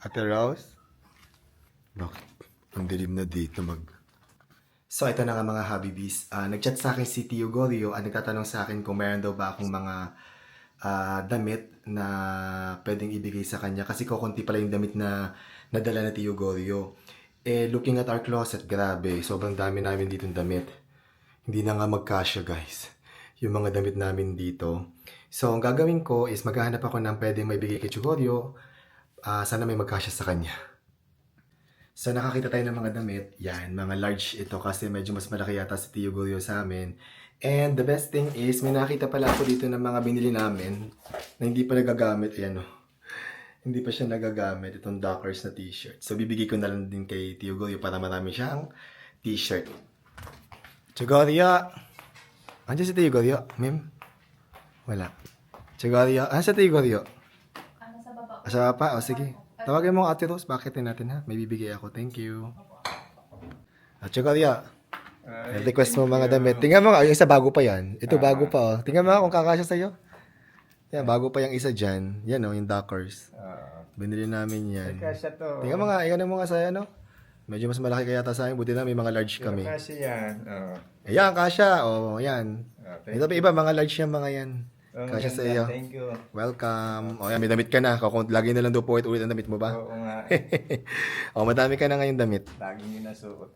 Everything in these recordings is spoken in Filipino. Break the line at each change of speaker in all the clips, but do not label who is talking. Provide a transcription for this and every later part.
Ate Rose? Bakit? Ang dilim na dito So, ito na nga mga Habibis. Nag-chat sa akin si Tio Gorio at nagtatanong sa akin kung meron daw ba akong mga damit na pwedeng ibigay sa kanya. Kasi kukunti pala yung damit na nadala na Tio Gorio. Looking at our closet, grabe. Sobrang dami namin dito damit. Hindi na nga magkasya, guys. Yung mga damit namin dito. So, ang gagawin ko is maghahanap ako ng pwedeng maibigay kay Tio Gorio. Sana may magkasya sa kanya. So, nakakita tayo ng mga damit. Yan, mga large ito kasi medyo mas malaki yata si Tio Gorio sa amin. And the best thing is, may nakita pala ako dito ng mga binili namin na hindi pa nagagamit. Ayan o. Hindi pa siya nagagamit. Itong Dockers na t-shirt. So, bibigay ko na lang din kay Tio Gorio para marami siyang t-shirt. Tio Gorio! Andiyan si Tio Gorio? Mim? Wala. Tio Gorio? Ano sa Tio Gorio?
Sa baba.
Sa baba? O, sige. Tawagin mo Ate Rose, bakitin natin ha. May bibigay ako. Thank you. At Tio Gorio, request mo mga damit. Tingnan mo nga, yung isa bago pa yan. Ito bago pa oh. Tingnan mo nga kung kakasya sa'yo. Yan, bago pa yung isa dyan. Yan oh, yung Dockers. Binili namin yan.
Kasya to.
Tingnan mo nga, iyan mo nga sa'yo no. Medyo mas malaki kaya sa akin. Buti na may mga large kami.
Kasya yan.
Ayan, kasya. O, yan.
Thank
Ito pa iba, mga large yan, mga yan. Kasya sa iyo.
Thank you.
Welcome. O yan, may damit ka na. Lagi na lang daw po ulit ang damit mo ba?
Oo nga.
O, madami ka na ngayon damit.
Lagi nyo nasuot.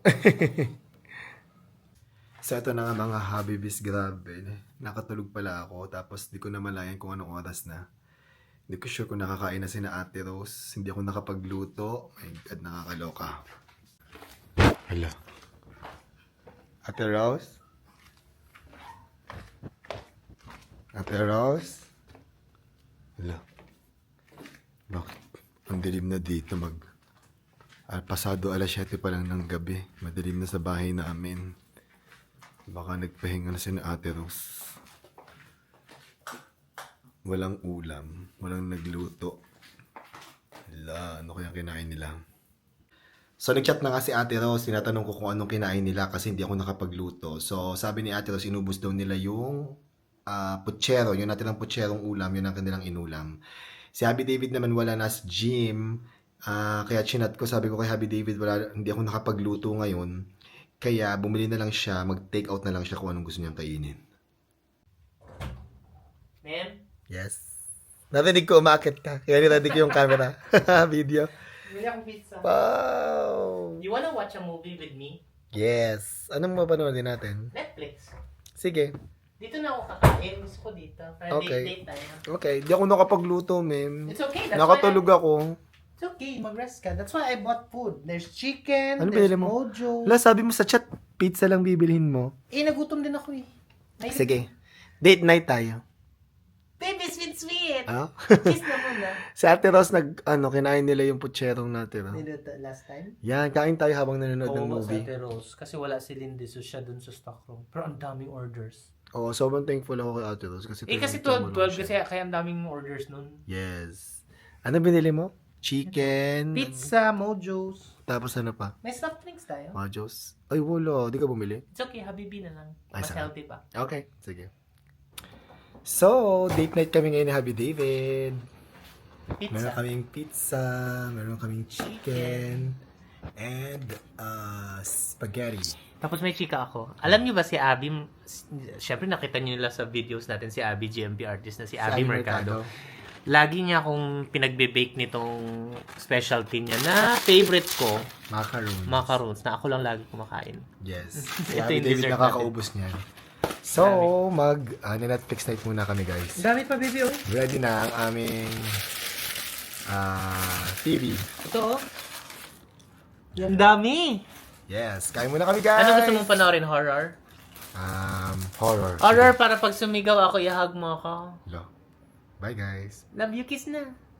So, ito na nga mga Habibis, grabe. Nakatulog pala ako, tapos di ko na malayan kung anong oras na. Hindi ko sure kung nakakain na si na Ate Rose. Hindi ako nakapagluto. My God, nakakaloka. Hala. Ate Rose? Ate Rose? Hala. Bakit? Ang dilim na dito pasado alas 7 pa lang ng gabi. Madilim na sa bahay namin. Baka nagpahinga na si na Ate Rose. Walang ulam. Walang nagluto. Hala, ano kaya kinain nila? So, nag-chat na nga si Ate Rose. Tinatanong ko kung anong kinain nila kasi hindi ako nakapagluto. So, sabi ni Ate Rose, inubos daw nila yung putsero. Yung natin ang putserong ulam, yun ang kanilang inulam. Si Happy David naman wala na sa gym. Kaya chinat ko, sabi ko kay Happy David, hindi ako nakapagluto ngayon. Kaya bumili na lang siya, mag-take out na lang siya kung anong gusto niyang kainin.
Ma'am?
Yes. Narinig ko, umakit ka. Kaya narinig ko yung camera. Video.
Bili akong pizza.
Wow!
You wanna watch a movie with me?
Yes. Anong mapanoodin natin?
Netflix.
Sige.
Dito na ako kakain. Gusto ko dito. Para
Okay.
date tayo.
Okay. Di ako nakapagluto, ma'am.
It's okay. That's
Nakatulog ako.
It's okay. Mag-rest ka. That's why I bought food. There's chicken.
Ano
there's
binili mo?
mojo.
Wala, sabi mo sa chat, pizza lang bibilhin mo.
Nagutom din ako eh.
Sige. Date night tayo.
Baby, sweet.
Ah?
Kiss na muna.
Si Ate Rose, kinain nila yung putserong natin.
Did it last time?
Yan, kain tayo habang nanonood ng
Oo, sa
movie.
Ate Rose. Kasi wala si Lindy, so siya dun sa stock room. Pero ang daming orders.
Oo, sobrang thankful ako kay Ate Rose. Kasi
Kasi
tumulong
12
siya.
kasi kaya ang daming orders nun.
Yes. Ano binili mo? Chicken.
Pizza, mojos.
Tapos ano pa?
May soft drinks tayo.
Majos. Ay, wala. Di ka bumili?
It's okay, Habibi na lang.
Ay,
Mas
sarap.
healthy pa.
Okay, sige. So, date night kami ngayon ni Happy David. Meron
Pizza.
kaming pizza, meron kaming chicken, and spaghetti.
Tapos may chika ako. Alam niyo ba si Abby, syempre nakita niyo nila sa videos natin si Abby, GMP artist na si Abby Mercado. Lagi niya akong pinagbe-bake nitong specialty niya na favorite ko,
Macaroons.
macarons, na ako lang lagi kumakain.
Yes. Si
Ito
Happy
yung
David
dessert
nakakaubos niyan. So, Netflix night muna kami, guys.
Dami pa, baby, oh.
Ready na ang aming TV.
Ito oh. Ang dami!
Yes, kain muna kami, guys.
Ano gusto mong panoorin? Horror?
Horror.
Horror para pag sumigaw ako, ihag mo ako.
Hello. Bye, guys.
Love you, kiss na.